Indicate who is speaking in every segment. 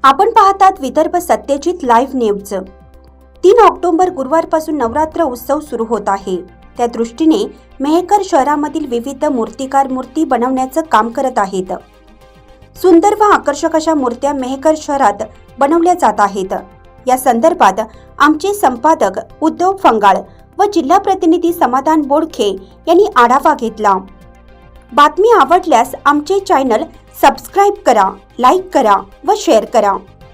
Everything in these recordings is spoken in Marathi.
Speaker 1: आपण पाहतात Vidarbha Satyajit live news. 3 October गुरुवारपासून नवरात्र उत्सव सुरू होत आहे। त्या दृष्टीने मेहकर शहरामधील विविध मूर्तिकार मूर्ती बनवण्याचं काम करत आहेत। सुंदर व आकर्षक अशा मूर्त्या मेहकर शहरात बनवल्या जात आहेत। या संदर्भात आमचे संपादक उद्धव फंगाळ व जिल्हा प्रतिनिधी समाधान बोडखे यांनी आढावा घेतला। बातमी आवडल्यास आमचे चॅनल सबस्क्राइब करा, लाईक करा व शेअर करा।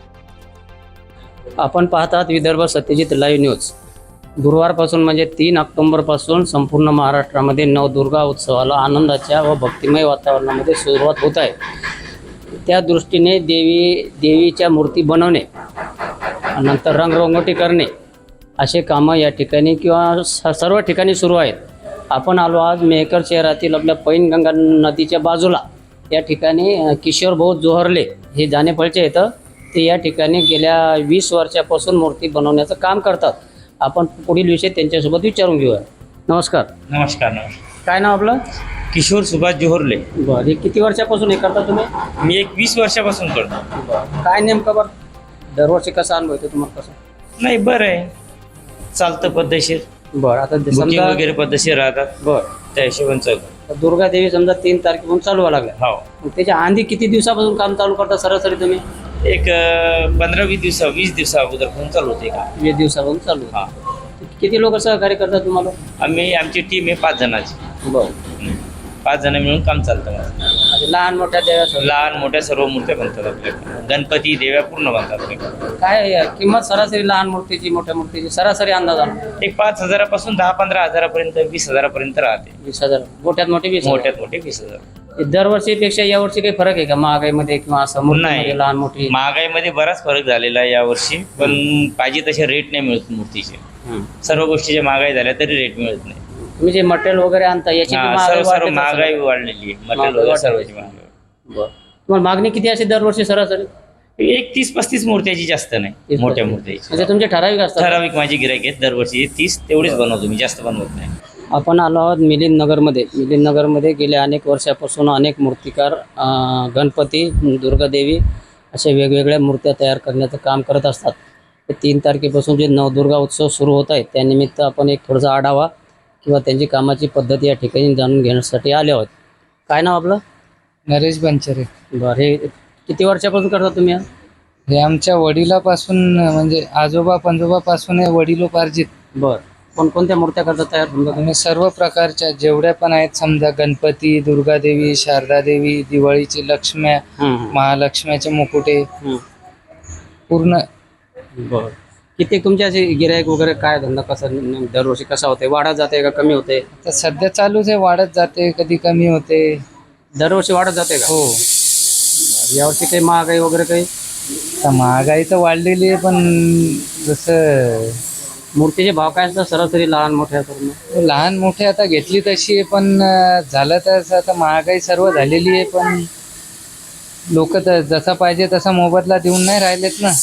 Speaker 2: आपण पाहतात विदर्भ सत्यजित लाईव्ह न्यूज। गुरुवारपासून म्हणजे 3 ऑक्टोबरपासून संपूर्ण महाराष्ट्रामध्ये नवदुर्गा उत्सवाला आनंदाच्या व भक्तिमय वातावरणामध्ये सुरुवात होत आहे। त्या दृष्टीने देवीच्या मूर्ती बनवणे, नंतर रंगरंगोटी करणे असे कामं या ठिकाणी किंवा सर्व ठिकाणी सुरू आहेत। आपण आलो आज मेहकर शहरातील आपल्या पैनगंगा नदीच्या बाजूला या ठिकाणी किशोर भाऊ जोहरले हे जानेफळचे येतं। ते या ठिकाणी गेल्या 20 वर्षापासून मूर्ती बनवण्याचं काम करतात। आपण पुढील विषय त्यांच्यासोबत विचारून घेऊया। नमस्कार।
Speaker 3: नमस्कार।
Speaker 2: काय नाव आपलं?
Speaker 3: किशोर सुभाष जोहरले।
Speaker 2: बरं, हे किती वर्षापासून हे करता तुम्ही?
Speaker 3: मी 20 वर्षापासून करतो।
Speaker 2: काय नेमकं बरं दरवर्षी कसा अनुभव येतो तुम्हाला? कसं
Speaker 3: नाही, बरं आहे, चालतं पद्धतशीर।
Speaker 2: बरं, आता
Speaker 3: बुकिंग
Speaker 2: समजा
Speaker 3: वगैरे पद्धतशीर राहतात।
Speaker 2: बरं,
Speaker 3: त्या हिशोबाने चालतं।
Speaker 2: दुर्गा देवी समजा 3 तारखेपासून चालू व्हायला लागल्या,
Speaker 3: हो,
Speaker 2: मग त्याच्या आधी किती दिवसापासून काम चालू करता सरासरी तुम्ही?
Speaker 3: एक 15-20 दिवसा 20 दिवसा अगोदरपासून चालू होते का?
Speaker 2: 20 दिवसापासून चालू
Speaker 3: हा।
Speaker 2: किती लोक सहकार्य करतात तुम्हाला?
Speaker 3: आमची टीम आहे 5 जणांची।
Speaker 2: बरं,
Speaker 3: 5 जण मिळून काम चालतं माझं।
Speaker 2: म्हणजे लहान मोठ्या देव्या
Speaker 3: लहान मोठ्या सर्व मूर्त्या बनतात आपल्याकडे। गणपती देव्या पूर्ण बनतात आपल्याकडे।
Speaker 2: काय किंमत सरासरी लहान मूर्तीची मोठ्या मूर्तीची सरासरी अंदाज आणा?
Speaker 3: एक 5,000 पासून 10-15 हजारापर्यंत 20,000 पर्यंत राहते।
Speaker 2: 20,000 मोठ्यात मोठे 20,000?
Speaker 3: मोठ्यात मोठे 20,000।
Speaker 2: दरवर्षीपेक्षा यावर्षी काही फरक आहे का महागाईमध्ये किंवा असं मूर्तीमध्ये लहान मोठी?
Speaker 3: महागाईमध्ये बराच फरक झालेला आहे यावर्षी, पण पाहिजे तसे रेट नाही मिळत मूर्तीचे। सर्व गोष्टीच्या महागाई झाल्या तरी रेट मिळत नाही।
Speaker 2: तुम्ही जे मटेरियल वगैरे आणता याची
Speaker 3: सर्व महागाई वाढलेली आहे। मटेरियल वगैरे सर्वांची महागाई।
Speaker 2: बरं, तुम्हाला मागणी किती असेल दरवर्षी सरासरी?
Speaker 3: एक 30-35 मूर्त्याची, जास्त नाही, मोठ्या मूर्त्याची।
Speaker 2: म्हणजे तुमचे ठराविक असतात?
Speaker 3: ठराविक माझी गिराईक आहेत दरवर्षी 30 तेवढीच बनवतो मी, जास्त बनवत नाही।
Speaker 2: आपण आलो आहोत मिलिंद नगरमध्ये गेल्या अनेक वर्षापासून अनेक मूर्तिकार गणपती, दुर्गादेवी अशा वेगवेगळ्या मूर्त्या तयार करण्याचं काम करत असतात। 3 तारखेपासून जे नवदुर्गा उत्सव सुरू होत आहे त्यानिमित्त आपण एक थोडासा आढावा किंवा त्यांची कामाची पद्धत या ठिकाणी जाणून घेण्यासाठी आले आहोत। काय नाव आपलं?
Speaker 4: नरेश बनचरे।
Speaker 2: बरं, हे किती वर्षापासून करता तुम्ही?
Speaker 4: हे आमच्या वडिलापासून, म्हणजे आजोबा पंजोबापासून हे वडिलोपार्जित।
Speaker 2: बरं, कोणकोणत्या मूर्त्या करतात तयार?
Speaker 4: आणि सर्व प्रकारच्या जेवढ्या पण आहेत, समजा गणपती, दुर्गादेवी, शारदादेवी, दिवाळीची लक्ष्म्या, महालक्ष्म्याचे मुकुटे पूर्ण।
Speaker 2: बरं, किती तुमचे असे गिराईक वगैरे काय धंदा कसा दरवर्षी कसा होते? वाढत जाते का कमी होते?
Speaker 4: तर सध्या चालूच आहे, वाढत जाते, कधी कमी होते।
Speaker 2: दरवर्षी वाढत जाते का?
Speaker 4: हो।
Speaker 2: यावर्षी काही महागाई वगैरे काही?
Speaker 4: तर महागाई तर वाढलेली आहे, पण जसं
Speaker 2: मूर्तीचे भाव काय असतात सरासरी लहान मोठ्या करून?
Speaker 4: लहान मोठे आता घेतली तशी आहे, पण झालं तर आता महागाई सर्व झालेली आहे, पण लोक तर जसा पाहिजे तसा मोबदला देऊन नाही राहिलेत ना।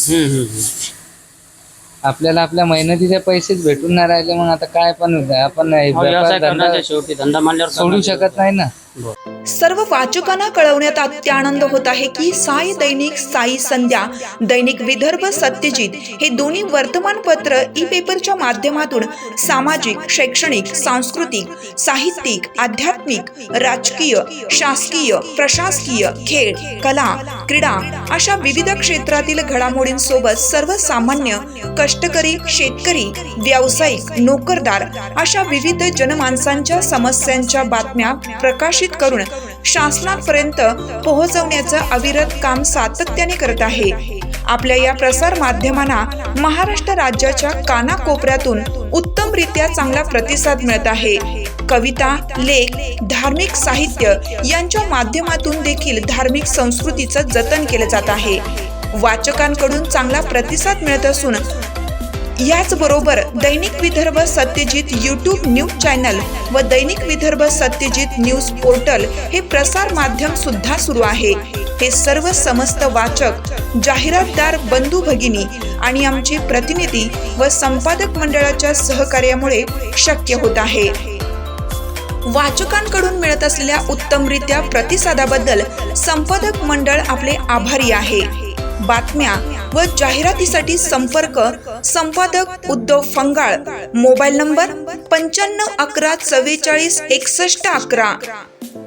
Speaker 4: आपल्याला आपल्या मेहनतीचे पैसेच भेटून नाही राहिले, मग आता काय पण आपण
Speaker 2: शेवटी धंदा मानल्यावर
Speaker 4: सोडू शकत नाही ना।
Speaker 5: सर्व वाचकांना कळवण्यात अत्यानंद होत आहे की साई दैनिक, साई संध्या, दैनिक विदर्भ सत्यजित हे दोन्ही वर्तमानपत्र ई पेपरच्या माध्यमातून सामाजिक, शैक्षणिक, सांस्कृतिक, साहित्यिक, आध्यात्मिक, राजकीय, शासकीय, प्रशासकीय, खेळ, कला, क्रीडा अशा विविध क्षेत्रातील घडामोडींसोबत सर्वसामान्य, कष्टकरी, शेतकरी, व्यावसायिक, नोकरदार अशा विविध जनमानसांच्या समस्यांच्या बातम्या प्रकाशित करून शासनापर्यंत पोहोचवण्याचं अविरत काम सातत्याने करत आहे। आपल्या या प्रसार माध्यमांना महाराष्ट्र राज्याच्या कानाकोपऱ्यातून उत्तमरित्या चांगला प्रतिसाद मिळत आहे। कविता, लेख, धार्मिक साहित्य यांच्या माध्यमातून देखील धार्मिक संस्कृतीचं जतन केलं जात आहे। वाचकांकडून चांगला प्रतिसाद मिळत असून याचबरोबर दैनिक Vidarbha Satyajit YouTube news channel व दैनिक विदर्भ सत्यजित न्यूज पोर्टल हे प्रसार माध्यम सुद्धा सुरू आहे। हे सर्व समस्त वाचक, जाहिरातदार बंधू भगिनी आणि आमचे प्रतिनिधी व संपादक मंडळाच्या सहकार्यामुळे शक्य होत आहे। वाचकांकडून मिळत असलेल्या उत्तमरित्या प्रतिसादाबद्दल संपादक मंडळ आपले आभारी आहे। बातम्या व जाहिरातीसाठी संपर्क संपादक उद्धव फंगाळ, मोबाईल नंबर 95 11 44 61 11.